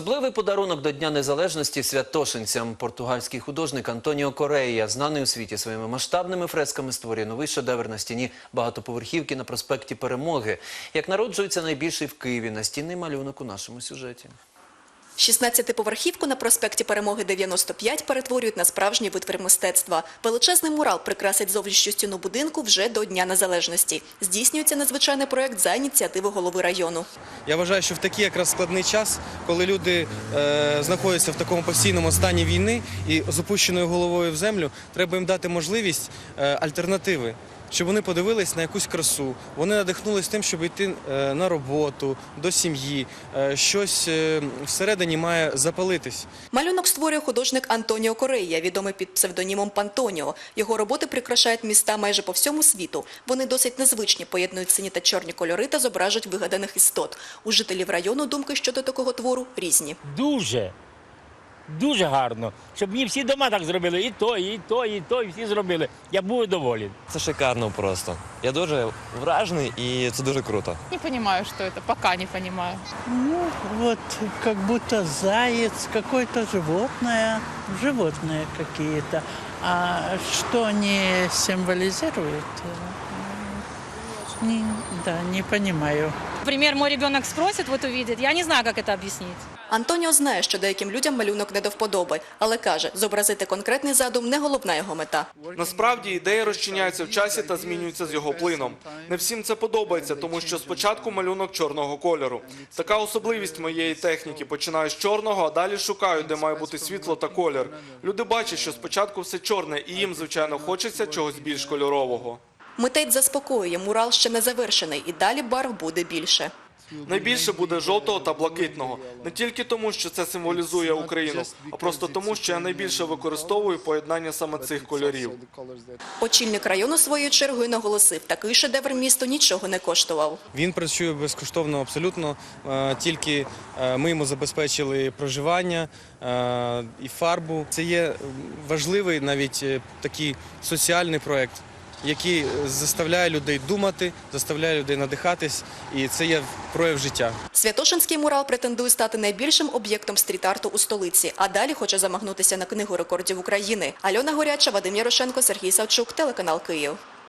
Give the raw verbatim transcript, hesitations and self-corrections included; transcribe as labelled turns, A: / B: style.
A: Особливий подарунок до Дня Незалежності святошинцям. Португальський художник Антоніо Корея, знаний у світі своїми масштабними фресками, створює новий шедевр на стіні багатоповерхівки на проспекті Перемоги. Як народжується найбільший в Києві настінний малюнок у нашому сюжеті.
B: шістнадцятиповерхівку на проспекті Перемоги дев'яносто п'ять перетворюють на справжній витвір мистецтва. Величезний мурал прикрасить зовнішню стіну будинку вже до Дня Незалежності. Здійснюється надзвичайний проєкт за ініціативи голови району.
C: Я вважаю, що в такий якраз складний час, коли люди е, знаходяться в такому постійному стані війни і з опущеною головою в землю, треба їм дати можливість е, альтернативи. Щоб вони подивились на якусь красу, вони надихнулись тим, щоб йти на роботу, до сім'ї, щось всередині має запалитись.
B: Малюнок створює художник Антоніо Корея, відомий під псевдонімом Пантоніо. Його роботи прикрашають міста майже по всьому світу. Вони досить незвичні, поєднують сині та чорні кольори та зображують вигаданих істот. У жителів району думки щодо такого твору різні.
D: Дуже. Дуже гарно, щоб мені всі дома так зробили, і то, і то, і то, і всі зробили. Я був доволен.
E: Це шикарно просто. Я дуже вражений і це дуже круто.
F: Не понимаю, что это, пока не понимаю.
G: Ну, вот как будто заяц, какое-то животное, животные какие-то. А что они символизируют, не, да, не понимаю.
H: Например, мой ребенок спросит, вот увидит, я не знаю, как это объяснить.
B: Антоніо знає, що деяким людям малюнок не до вподоби, але каже, зобразити конкретний задум – не головна його мета.
I: Насправді ідеї розчиняються в часі та змінюються з його плином. Не всім це подобається, тому що спочатку малюнок чорного кольору. Така особливість моєї техніки. Починаю з чорного, а далі шукаю, де має бути світло та колір. Люди бачать, що спочатку все чорне, і їм, звичайно, хочеться чогось більш кольорового.
B: Митець заспокоює, мурал ще не завершений, і далі барв буде більше.
I: Найбільше буде жовтого та блакитного. Не тільки тому, що це символізує Україну, а просто тому, що я найбільше використовую поєднання саме цих кольорів.
B: Очільник району своєю чергою наголосив, такий шедевр місту нічого не коштував.
C: Він працює безкоштовно абсолютно, тільки ми йому забезпечили проживання і фарбу. Це є важливий навіть такий соціальний проєкт, який заставляє людей думати, заставляє людей надихатись, і це є прояв життя.
B: Святошинський мурал претендує стати найбільшим об'єктом стріт-арту у столиці, а далі хоче замахнутися на книгу рекордів України. Альона Горяча, Вадим Ярошенко, Сергій Савчук, телеканал Київ.